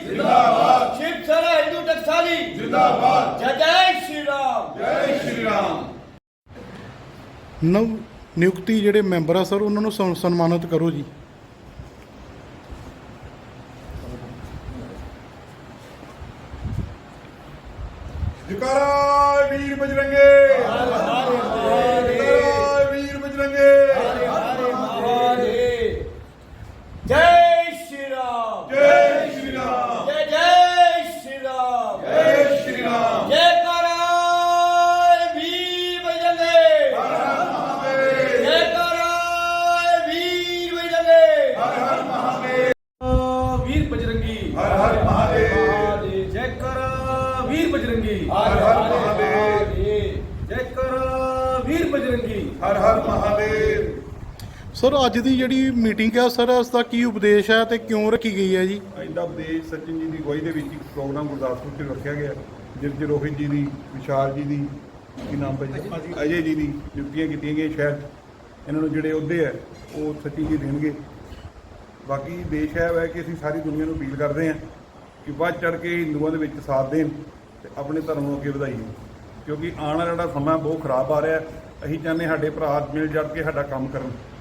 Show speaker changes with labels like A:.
A: जिंदाबाद।
B: शिवसेना हिंदू टकसाली
A: जिंदाबाद।
B: जय जय श्री राम।
A: जय श्री राम।
C: ਨਵ ਨਿਯੁਕਤੀ ਜਿਹੜੇ ਮੈਂਬਰ ਆ ਸਰ ਉਹਨਾਂ ਨੂੰ ਸਨਮਾਨਿਤ ਕਰੋ ਜੀ।
A: जयकारा वीर बजरंगे। जयकारा वीर बजरंगे।
B: जय श्री राम।
A: जय श्री राम।
B: जय जय श्री राम।
A: जय श्री राम।
B: जयकारा वीर बजरंगे।
A: हर हर महादेव।
B: जयकारा वीर बजरंगे।
A: हर हर महादेव।
B: वीर बजरंगी।
A: हर हर महादेव।
B: जयकारा वीर बजरंगी।
A: हर हर महादेव।
B: जयकारा वीर बजरंगी।
A: हर हर महादेव।
C: ਸਰ ਅੱਜ ਦੀ ਜਿਹੜੀ ਮੀਟਿੰਗ ਆ ਸਰ ਇਸ ਦਾ ਕੀ ਉਪਦੇਸ਼ ਹੈ ਤੇ ਕਿਉਂ ਰੱਖੀ ਗਈ ਹੈ ਜੀ?
A: ਅੱਜ ਦਾ ਉਪਦੇਸ਼ ਸਚਿਨ ਜੀ ਦੀ ਅਗਵਾਈ ਦੇ ਵਿੱਚ ਇੱਕ ਪ੍ਰੋਗਰਾਮ ਗੁਰਦਾਸਪੁਰ 'ਚ ਰੱਖਿਆ ਗਿਆ, ਜਿਸ 'ਚ ਰੋਹਿਤ ਜੀ ਦੀ, ਵਿਸ਼ਾਲ ਜੀ ਦੀ, ਕੀ ਨਾਮ ਭਾਈ ਅਜੇ ਜੀ ਦੀ ਨਿਯੁਕਤੀਆਂ ਕੀਤੀਆਂ ਗਈਆਂ। ਸ਼ਾਇਦ ਇਹਨਾਂ ਨੂੰ ਜਿਹੜੇ ਅਹੁਦੇ ਹੈ ਉਹ ਸਚਿਨ ਜੀ ਦੇਣਗੇ। ਬਾਕੀ ਦੇਸ਼ ਹੈ ਕਿ ਅਸੀਂ ਸਾਰੀ ਦੁਨੀਆ ਨੂੰ ਅਪੀਲ ਕਰਦੇ ਹਾਂ ਕਿ ਵੱਧ ਚੜ੍ਹ ਕੇ ਹਿੰਦੂਆਂ ਦੇ ਵਿੱਚ ਸਾਥ ਦੇਣ ਤੇ ਆਪਣੇ ਧਰਮ ਨੂੰ ਅੱਗੇ ਵਧਾਈਏ, ਕਿਉਂਕਿ ਆਉਣ ਵਾਲਾ ਜਿਹੜਾ ਸਮਾਂ ਬਹੁਤ ਖਰਾਬ ਆ ਰਿਹਾ। ਅਸੀਂ ਚਾਹੁੰਦੇ ਸਾਡੇ ਭਰਾ ਮਿਲ ਜੁਲ ਕੇ ਸਾਡਾ ਕੰਮ ਕਰਨ।